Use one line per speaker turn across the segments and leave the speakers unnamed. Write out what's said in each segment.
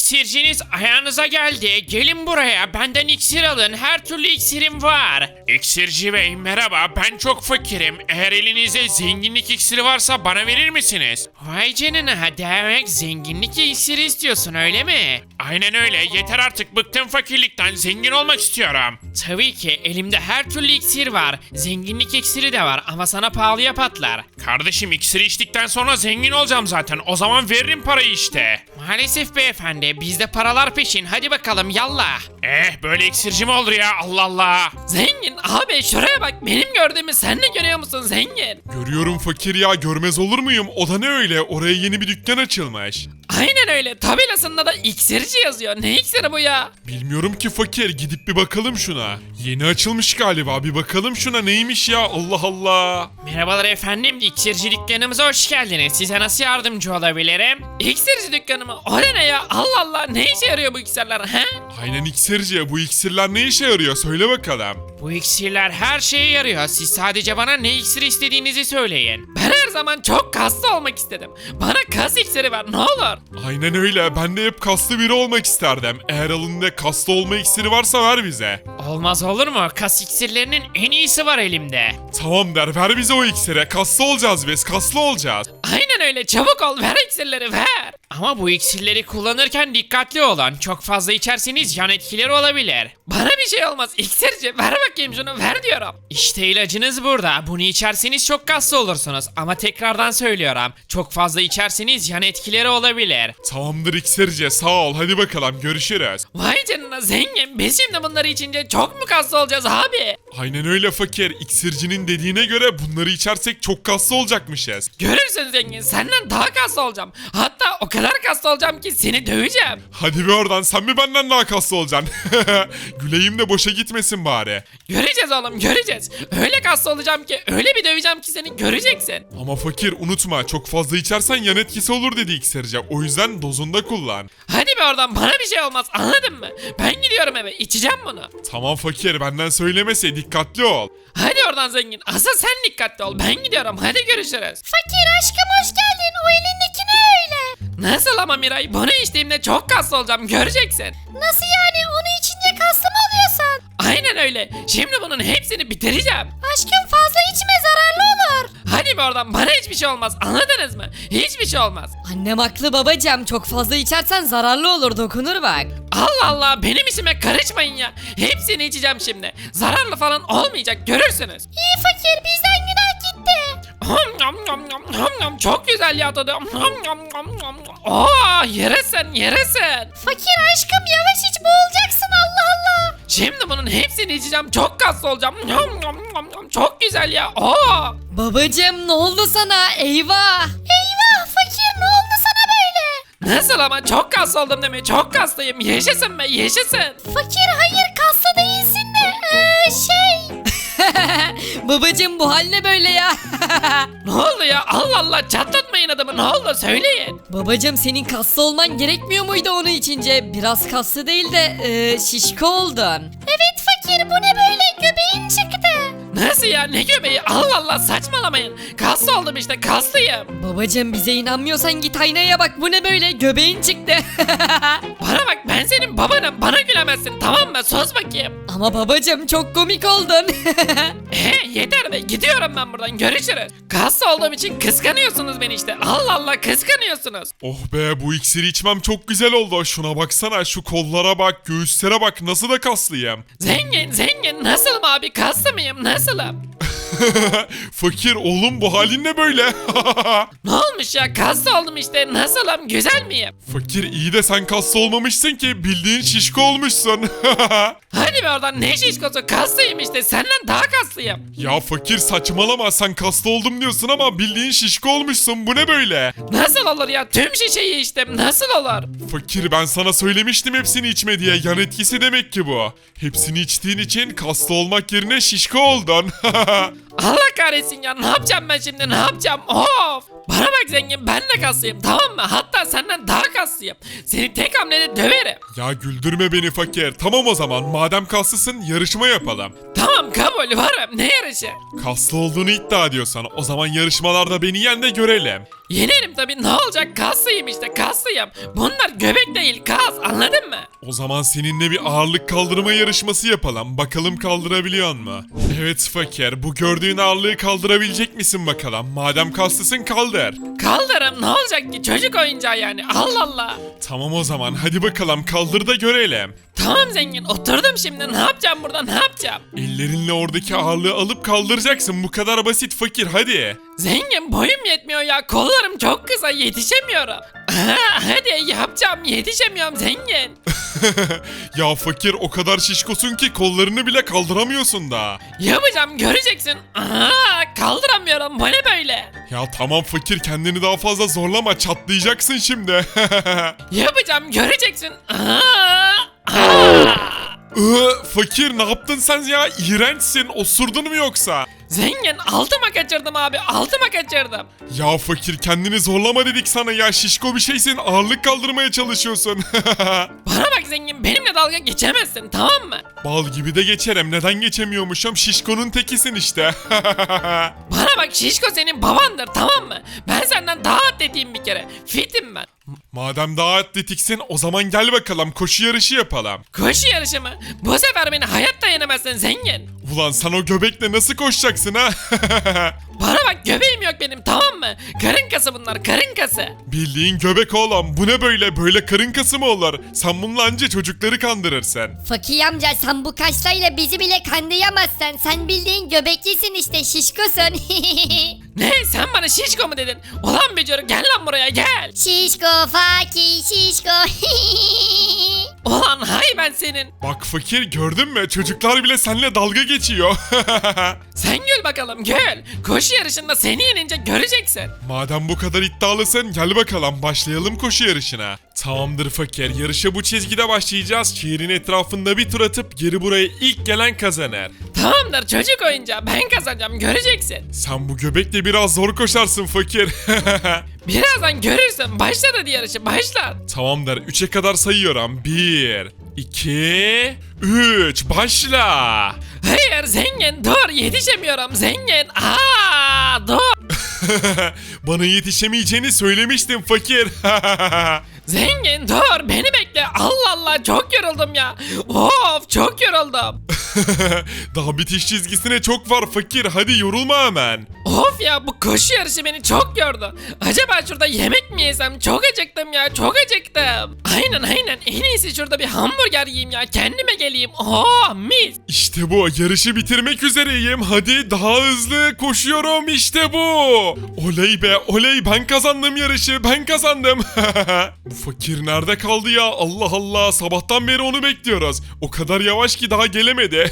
İksirciniz ayağınıza geldi. Gelin buraya. Benden iksir alın. Her türlü iksirim var. İksirci bey merhaba. Ben çok fakirim. Eğer elinizde zenginlik iksiri varsa bana verir misiniz? Vay canına. Demek zenginlik iksiri istiyorsun öyle mi? Aynen öyle. Yeter artık. Bıktım fakirlikten. Zengin olmak istiyorum. Tabii ki. Elimde her türlü iksir var. Zenginlik iksiri de var ama sana pahalıya patlar. Kardeşim iksiri içtikten sonra zengin olacağım zaten. O zaman veririm parayı işte. Maalesef beyefendi. Bizde paralar peşin. Hadi bakalım yallah. Böyle iksirci mi olur ya? Allah Allah. Zengin abi şuraya bak. Benim gördüğümü sen de görüyor musun zengin?
Görüyorum fakir ya, görmez olur muyum? O da ne öyle? Oraya yeni bir dükkan açılmış.
Aynen öyle. Tabelasında da iksirci yazıyor. Ne iksiri bu ya?
Bilmiyorum ki fakir, gidip bir bakalım şuna. Yeni açılmış galiba, bir bakalım şuna neymiş ya, Allah Allah.
Merhabalar efendim. İksirci dükkanımıza hoş geldiniz. Size nasıl yardımcı olabilirim? İksirci dükkanı mı? O ne ya? Allah Allah. Ne işe yarıyor bu iksirler he?
Aynen iksirci, bu iksirler ne işe yarıyor söyle bakalım.
Bu iksirler her şeye yarıyor. Siz sadece bana ne iksir istediğinizi söyleyin. Ben her zaman çok kaslı olmak istedim. Bana kas iksiri ver ne olur.
Aynen öyle, ben de hep kaslı biri olmak isterdim. Eğer alında kaslı olma iksiri varsa ver bize.
Olmaz olur mu? Kas iksirlerinin en iyisi var elimde.
Tamam der, ver bize o iksire, kaslı olacağız biz, kaslı olacağız.
Aynen öyle çabuk ol ver iksirleri ver. Ama bu iksirleri kullanırken dikkatli olun. Çok fazla içerseniz yan etkileri olabilir. Bana bir şey olmaz iksirci ver bakayım şunu ver diyorum. İşte ilacınız burada. Bunu içerseniz çok kaslı olursunuz. Ama tekrardan söylüyorum. Çok fazla içerseniz yan etkileri olabilir.
Tamamdır iksirci, sağ ol, hadi bakalım görüşürüz.
Vay canına zengin. Biz şimdi bunları içince çok mu kaslı olacağız abi?
Aynen öyle fakir, iksircinin dediğine göre bunları içersek çok kaslı olacakmışız.
Görürsün zengin senden daha kaslı olacağım. Hatta o kadar kaslı olacağım ki seni döveceğim.
Hadi bir oradan, sen mi benden daha kaslı olacaksın? Güleyim de boşa gitmesin bari.
Göreceğiz oğlum göreceğiz. Öyle kaslı olacağım ki öyle bir döveceğim ki seni göreceksin.
Ama fakir unutma, çok fazla içersen yan etkisi olur dedi iksirci. O yüzden dozunda kullan.
Hadi be oradan bana bir şey olmaz anladın mı? Ben gidiyorum eve içeceğim bunu.
Tamam fakir, benden söylemese, dikkatli ol.
Hadi oradan zengin asıl sen dikkatli ol ben gidiyorum hadi görüşürüz.
Fakir aşkım hoş geldin. O elindeki ne öyle?
Nasıl ama Miray bunu içtiğimde çok kaslı olacağım göreceksin.
Nasıl yani? Onu içince kaslı mı oluyorsun?
Aynen öyle şimdi bunun hepsini bitireceğim.
Aşkım fazla içme zararlı olur.
Hadi be oradan bana hiçbir şey olmaz anladınız mı? Hiçbir şey olmaz.
Annem haklı babacığım. Çok fazla içersen zararlı olur, dokunur bak.
Allah Allah benim işime karışmayın ya. Hepsini içeceğim şimdi. Zararlı falan olmayacak görürsünüz.
İyi fakir bizden günah gitti.
Çok güzel ya tadı. Yeresin.
Fakir aşkım yavaş iç boğulacaksın Allah Allah.
Şimdi bunun hepsini içeceğim. Çok kaslı olacağım. Çok güzel ya.
Babacığım ne oldu sana? Eyvah.
Eyvah fakir ne oldu sana böyle?
Nasıl ama çok kaslı oldum deme. Çok kaslıyım. Yaşasın be yaşasın.
Fakir hayır kaslı değilsin de şey.
Babacığım bu hal ne böyle ya?
Ne oldu ya? Allah Allah çatlatmayın adamı. Ne oldu söyleyin.
Babacığım senin kaslı olman gerekmiyor muydu onu içince? Biraz kaslı değil de şişko oldun.
Evet fakir bu ne böyle göbeğin çıktı.
Nasıl ya ne göbeği? Allah Allah saçmalamayın. Kaslı oldum işte kaslıyım.
Babacığım bize inanmıyorsan git aynaya bak, bu ne böyle, göbeğin çıktı.
Bana bak ben senin babanım. Bana gülemezsin tamam mı? Sus bakayım.
Ama babacığım çok komik oldun.
Yeter be gidiyorum ben buradan görüşürüz. Kaslı olduğum için kıskanıyorsunuz beni işte. Allah Allah kıskanıyorsunuz.
Oh be, bu iksiri içmem çok güzel oldu. Şuna baksana, şu kollara bak, göğüslere bak, nasıl da kaslıyım.
Zengin nasılım abi kaslı mıyım nasılım?
Fakir oğlum, bu halin ne böyle?
Ne olmuş ya kaslı oldum işte nasılım güzel miyim?
Fakir iyi de sen kaslı olmamışsın ki, bildiğin şişko olmuşsun.
Hadi be oradan ne şişkosu kaslıyım işte senden daha kaslıyım.
Ya fakir saçmalama, sen kaslı oldum diyorsun ama bildiğin şişko olmuşsun, bu ne böyle?
Nasıl olur ya tüm şişeyi içtim nasıl olur?
Fakir ben sana söylemiştim hepsini içme diye, yan etkisi demek ki bu. Hepsini içtiğin için kaslı olmak yerine şişko oldun.
Allah kahretsin ya ne yapacağım ben şimdi ne yapacağım of. Bana bak zengin ben de kaslıyım tamam mı? Hatta senden daha kaslıyım. Seni tek hamlede döverim.
Ya güldürme beni fakir. Tamam o zaman, madem kaslısın yarışma yapalım.
Tamam kabul varım. Ne yarışı?
Kaslı olduğunu iddia ediyorsan o zaman yarışmalarda beni yen de görelim.
Yenerim tabii, ne olacak, kaslıyım işte, kaslıyım. Bunlar göbek değil, kas, anladın mı?
O zaman seninle bir ağırlık kaldırma yarışması yapalım. Bakalım kaldırabiliyor mu? Evet fakir, bu gördüğün ağırlığı kaldırabilecek misin bakalım? Madem kaslısın kaldır.
Kaldırım, ne olacak ki, çocuk oyuncağı yani, Allah Allah.
Tamam o zaman hadi bakalım kaldır da görelim.
Tamam zengin, oturdum şimdi, ne yapacağım burada, ne yapacağım?
Ellerinle oradaki ağırlığı alıp kaldıracaksın. Bu kadar basit fakir hadi.
Zengin, boyum yetmiyor ya, kollarım çok kısa, yetişemiyorum. Hadi yapacağım, yetişemiyorum zengin.
Ya fakir o kadar şişkosun ki kollarını bile kaldıramıyorsun da.
Yapacağım, göreceksin. Kaldıramıyorum, bu ne böyle?
Ya tamam fakir kendini daha fazla zorlama çatlayacaksın şimdi.
Yapacağım, göreceksin.
Fakir ne yaptın sen ya? İğrençsin. Osurdun mu yoksa?
Zengin, altıma kaçırdım abi, altıma kaçırdım.
Ya fakir kendini zorlama dedik sana ya. Şişko bir şeysin. Ağırlık kaldırmaya çalışıyorsun.
Bana bak zengin, benimle dalga geçemezsin, tamam mı?
Bal gibi de geçerim. Neden geçemiyormuşum? Şişkonun tekisin işte.
Bana bak, şişko senin babandır, tamam mı? Ben senden daha atletiyim bir kere, fitim ben.
Madem daha atletiksin o zaman gel bakalım koşu yarışı yapalım.
Koşu yarışı mı? Bu sefer beni hayatta yenemezsin zengin.
Ulan sen o göbekle nasıl koşacaksın ha?
Bana bak, göbeğim yok benim, tamam mı? Karın kası bunlar, karın kası.
Bildiğin göbek oğlum. Bu ne böyle? Böyle karın kası mı olur? Sen bununla anca çocukları kandırırsın.
Fakir amca sen bu kaşlarıyla bizi bile kandıyamazsın. Sen bildiğin göbeklisin işte şişkosun.
Ne, sen bana şişko mu dedin? Ulan bücür, gel lan buraya, gel.
Şişko fakir şişko.
Ulan hay ben senin.
Bak fakir gördün mü? Çocuklar bile seninle dalga geçiyor.
Sen gül bakalım, gül. Koşu yarışında seni yenince göreceksin.
Madem bu kadar iddialısın gel bakalım başlayalım koşu yarışına. Tamamdır fakir yarışa bu çizgide başlayacağız. Şehrin etrafında bir tur atıp geri buraya ilk gelen kazanır.
Tamamdır çocuk oyuncağı, ben kazanacağım, göreceksin.
Sen bu göbekle biraz zor koşarsın fakir.
Birazdan görürsün, başlat hadi yarışı, başlat.
Tamamdır 3'e kadar sayıyorum. 1, 2, 3 başla.
Hayır zengin, dur, yetişemiyorum zengin. Dur.
Bana yetişemeyeceğini söylemiştim fakir.
Zengin dur, beni bekle. Allah Allah, çok yoruldum ya. Of, çok yoruldum.
Daha bitiş çizgisine çok var fakir. Hadi yorulma hemen.
Of ya, bu koşu yarışı beni çok yordu. Acaba şurada yemek mi yesem? Çok acıktım ya, çok acıktım. Aynen, en iyisi şurada bir hamburger yiyeyim ya, kendime geleyim. Oh mis.
İşte bu. Yarışı bitirmek üzereyim. Hadi daha hızlı koşuyorum. İşte bu. Oley be oley. Ben kazandım yarışı. Ben kazandım. Bu fakir nerede kaldı ya? Allah Allah. Sabahtan beri onu bekliyoruz. O kadar yavaş ki daha gelemedi.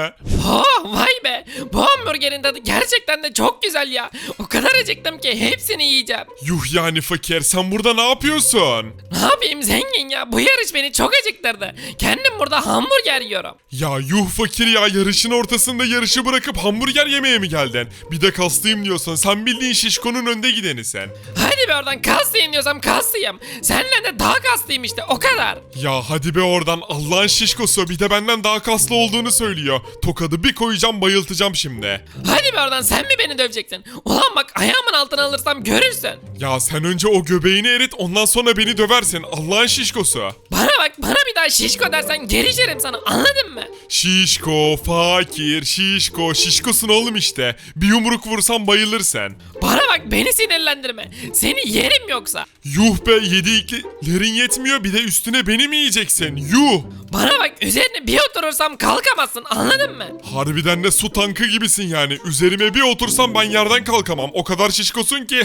Oh vay be, bu hamburgerin tadı gerçekten de çok güzel ya. O kadar acıktım ki hepsini yiyeceğim.
Yuh yani fakir. Sen burada ne yapıyorsun?
Ne yapayım zengin ya, bu yarış beni çok acıktırdı. Kendim burada hamburger yiyorum.
Ya yuh fakir ya. Yarışın ortasında yarışı bırakıp hamburger yemeye mi geldin? Bir de kaslıyım diyorsun. Sen bildiğin şişkonun önde gideni sen.
Hadi be oradan, kaslıyım diyorsam kaslıyım. Seninle de daha kaslıyım işte, o kadar.
Ya hadi be oradan Allah'ın şişkosu bir de benden daha kaslı olduğunu söylüyor. Tokadı bir koyacağım bayıltacağım şimdi.
Hadi be oradan, sen mi beni döveceksin? Ulan bak, ayağımın altına alırsam görürsün.
Ya sen önce o göbeğini erit ondan sonra beni döversin Allah'ın şişkosu.
Bana bak, bana bir daha şişko dersen gerişirim sana, anladın mı?
Şişko, fakir, şişko, şişkosun oğlum işte. Bir yumruk vursan bayılırsın.
Bana bak, beni sinirlendirme. Seni yerim yoksa.
Yuh be yediklerin yetmiyor bir de üstüne beni mi yiyeceksin? Yuh.
Bana bak, üzerine bir oturursam kalkamazsın, anladın mı?
Harbiden de su tankı gibisin yani. Üzerime bir otursam ben yerden kalkamam. O kadar şişkosun ki.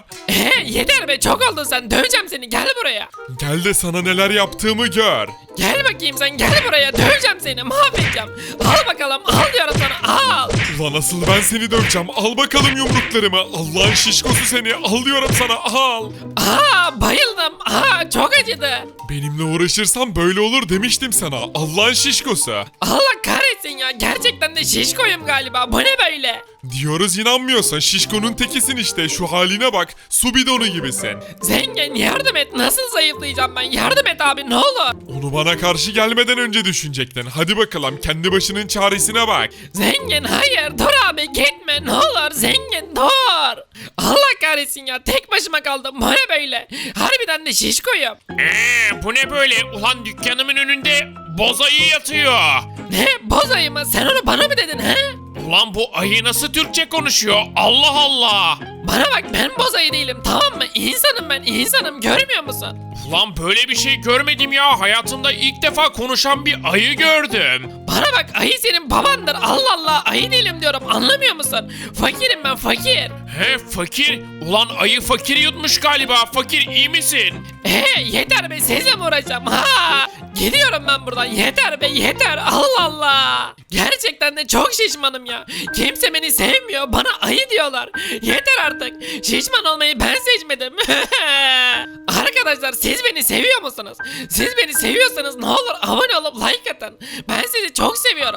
Yeter be, çok oldun sen, döveceğim seni, gel buraya.
Gel de sana neler yaptığımı gör.
Gel bakayım sen, gel buraya, döveceğim seni, mahvedeceğim. Al bakalım, al diyorum sana, al.
Ulan asıl ben seni döveceğim. Al bakalım yumruklarımı. Allah'ın şişkosu seni. Al diyorum sana. Al.
Bayıldım.
Aa çok acıdı.
Benimle uğraşırsan böyle olur demiştim sana. Allah'ın şişkosu.
Allah kahretsin ya. Gerçekten de şişkoyum galiba. Bu ne böyle?
Diyoruz inanmıyorsan şişkonun tekisin işte. Şu haline bak. Su bidonu gibisin.
Zengin yardım et. Nasıl zayıflayacağım ben? Yardım et abi ne olur.
Onu bana karşı gelmeden önce düşünecektin. Hadi bakalım kendi başının çaresine bak.
Zengin hayır dur abi gitme ne olur zengin dur. Allah kahretsin ya tek başıma kaldım bu ne böyle. Harbiden de şişkoyum.
Bu ne böyle? Ulan dükkanımın önünde boz ayı yatıyor.
Ne boz ayı mı sen onu bana mı dedin he?
Ulan bu ayı nasıl Türkçe konuşuyor? Allah Allah.
Bana bak ben boz ayı değilim tamam mı? İnsanım ben insanım görmüyor musun?
Ulan böyle bir şey görmedim ya. Hayatımda ilk defa konuşan bir ayı gördüm.
Bana bak ayı senin babandır Allah Allah ayı değilim diyorum anlamıyor musun? Fakirim ben fakir.
He fakir. Ulan ayı fakir yutmuş galiba. Fakir iyi misin?
Yeter be sizle mi uğraşacağım ha? Gidiyorum ben buradan yeter be yeter Allah Allah. Gerçekten de çok şişmanım ya. Kimse beni sevmiyor bana ayı diyorlar. Yeter artık. Şişman olmayı ben seçmedim. Arkadaşlar siz beni seviyor musunuz? Siz beni seviyorsanız ne olur abone olup like atın. Ben sizi çok seviyorum.